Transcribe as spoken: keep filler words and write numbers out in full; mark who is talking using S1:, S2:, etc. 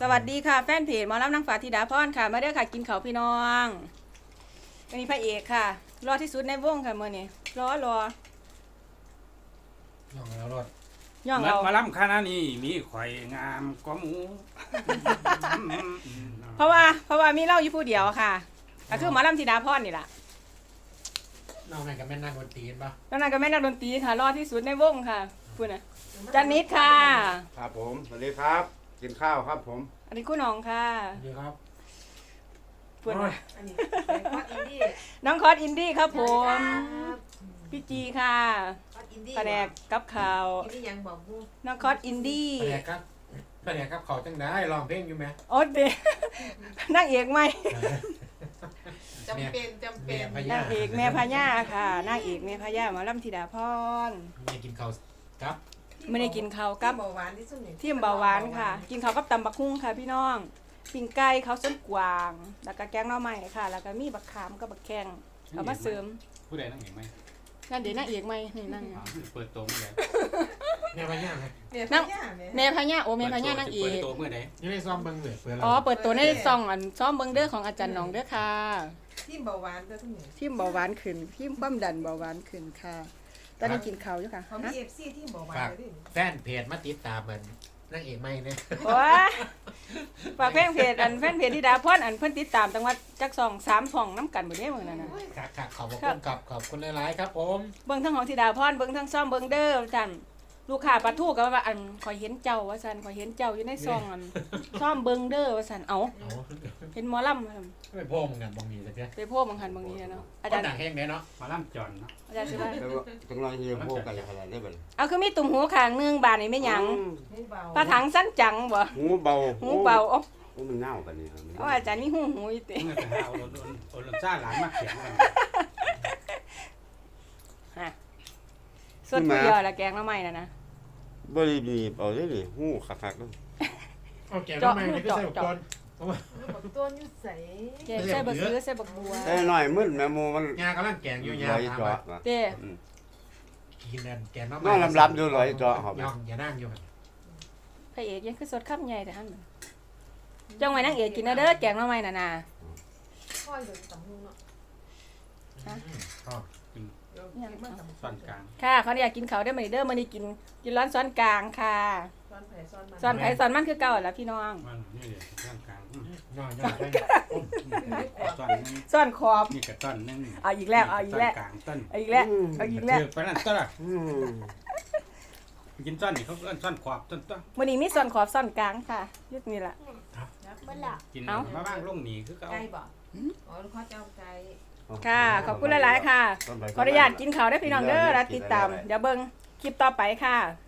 S1: สวัสดีค่ะแฟนเพจหมอลำนางฟ้าธิดาพรค่ะมาเด้อค่ะกินข้าวพี่น้องอันนี้พระเอกค่ะรอที่สุดในวงค่ะเมื่อนี้รอร
S2: ย่องแล้วรถ
S1: ย่อง
S3: มัน
S1: เอา
S3: มาล้ำคณะนี้มีข่อยงามกว่าหมู
S1: เพราะว่าเพราะว่ามีเล่าอยู่ผู้เดียวค่ะก็คือหมอลำธิดาพรนี่แหละ
S2: น้องนั่นกับแม่นักดนตรีป่ะ
S1: แล้วนั่นก็แม่นักดนตรีค่ะรอที่สุดในวงค่ะพูดนะจันนิดค่ะ
S4: ครับผมสวัสดีครับ กินข้าวครับผม
S1: อันนี้คุณน้องค่ะ
S2: ดีครับ
S1: พูดนะ
S5: อันนี้เป็นคอสอินดี้
S1: น้องคอสอินดี้ครับผมพี่จีค่ะ
S5: คอสอินดี้
S1: แผนกกับข่าว
S5: อินดี้ยังบอกกู
S1: น้องคอสอินดี้
S2: แผนกครับแผนกครับเขาจังได้ลองเพลงอยู่ไหม
S1: โอ๊ตเด นางเอกไหม
S5: จำเป็นจำเป็น
S2: แม่พ
S1: นา
S2: ญาง
S1: เอกแม่พญาค่ะนางเอกแม่พญาหมอลำธิดาพร
S2: แม่กินข้าวครับ
S1: ไม่ได้กินข้าวกับ
S5: เบาหวานที่สุดนี่
S1: ที่เบาหวานค่ะ กินข้าวกับตำบักหุ่งค่ะพี่น้องปิ้งไก่ข้าวส้นกวางแล้วก็แกงหน่อไม้ค่ะ แล้วก็มีบักขามกับบักแข้งเอามาเสริม
S3: ผู้ใดนั่งเห็นไหม
S1: นั่นเดี๋ยวนางเอกไหมนี่นั่ง
S3: อ้าวเปิดตัวเมื่อไหร่
S2: แม่พญาไง
S5: เมีย
S1: นั่
S5: พ
S1: ง
S5: ญาแม่
S1: แม่พญาโอแม่พญานางเอ
S3: เปิด
S1: ก
S3: ตัวเมื่อไหร่
S2: ยังได้ซ้อมเบิ้งเลยเปิด
S1: อ๋อเปิดตัวในซองอันซ้อมเบิ้งเด้อของอาจารย์หนองเด้อค่ะ
S5: ที่เบาหวานตัวทุกนี่
S1: ทิมเบาหวานขึ้นทิมความดันเบาหวานขึ้นค่ะ ตอนนี้กินข้าวอยู่ค่ะ
S5: เขามี
S1: ฮะ
S5: เอฟซีที่เบาหวาน
S2: ฝาก
S5: เลยดิ
S2: แฟนเพจมาติดตามมันนั่งเอกไม่เนี่ย
S1: โอ้ยฝากแฟนเพจอันแฟนเพจธิดาพรอันเพิ่นติดตามจังหวัดจักสองสามช่องน้ำกันหมดเด้มื้อนั้นน่ะ
S2: ครับครับขอบคุณครับขอบคุณหลายๆครับผม
S1: เบิ่งทั้งของธิดาพรเบิ่งทั้งซ่อมเบิ่งเด้อท่านลูกค้าปลาทูก็ว่าอันข่อยเห็นเจ้าว่าซั่นข่อยเห็นเจ้าอยู่ในซองอันซ่อมเบิ่งเด้อว่าซั่นเอ้า
S2: เอา
S1: เห็นหมอลำ
S2: ไม่พ่อมึงกันบางทีสักที
S1: ไปโพบางหันบางนี้เนาะอา
S2: อา
S1: จา
S2: จาร ร
S1: ย์
S2: ย์หนังเพลงเนี่ยเนาะ
S3: มาล้ำจอนเนาะ
S1: อาจารย์สิว่า
S4: แล้วต้องรอที่จะพูดกันอะไรได้บ้าง
S1: เอาคือมีตุ่มหูข้างนึงบาดนี่แม่หยัง
S5: หูเบา
S1: ปลาถังสั้นจังบ่
S4: หูเบา
S1: หูเบาอ๋อ
S4: หูมันเน่ากันนี่
S1: เอาอาจารย์มีหูหูอยู่ติ
S3: เมื่อไปหาโอรนโอรนซ่าหลานมาเขียนกัน
S1: ฮะสดผู้เดียวละแกงละไม้น่ะนะ
S4: บริบีเอาได้เลยหูคักๆด้วย
S2: โอเคทำไมไม่ได้ใส่อุปกรณ์
S5: บอกตัวนิ้วใส
S1: แกงใส่บักเสือใส่บักบัว
S4: แต่หน่อยมึนแม่มูมัน
S2: งากำลังแกงอยู่ยา
S4: ลอย
S2: ถาม
S4: เจาะ
S2: ว่า
S1: เด้
S2: กินนั่นแกงน้ำ
S4: น้องลำลำดูลอยเจาะหอบ
S2: ย่องอย่านั่งอยู่
S1: พระเอกยังคือสดคำใหญ่แต่หั่นจ้องไว้นางเอกกินนะเด้อแกงละไม้น่ะนะ
S5: ค่อยเดินตำหูเนาะ
S2: ชอบ
S5: เดี๋ยวเก็บมาตำหู
S3: ส่วนกลาง
S1: ค่ะเขาอยากกินข้าวได้อมื้อนี้เด้อมื้อนี้กินกินร้อนซ้อนกลางค่ะ
S5: ซ้อนแผลซ้อนมัน
S1: ซ้อนไผซ้อนมันคือเก่าล่ะพี่น้อง
S3: มันนี่เลยส่วนกลาง
S2: ย่องย่องใช่
S3: ต้นนึง
S1: ซ้อนขอบ
S3: นี่กับต้นนึง
S1: เอาอีกแล้วเอาอีกแล้ว
S3: กลางต้น
S1: เอาอีกแล้วเอาอีกแล้ว
S3: ไปนั่นต้นละ
S4: อืม
S3: กินต้นนี่เขาเอิ้นต้นขอบต้นต้น
S1: มื้อนี้มีซ้อนขอบซ้อนกลางค่ะยุดนี่ล่ะ
S3: กิน
S1: เอ้า
S3: มาบ้างลงหนีคือเขา
S5: ไก่บอกอ๋อลูกค้าจะเอาไก่
S1: ค่ะ ขอบคุณหลายๆค่ะ ขออนุญาตกินข้าวได้อพี่น้องเด้อแล้วติดตาม เดี๋ยวเบิ่งคลิปต่อไปค่ะ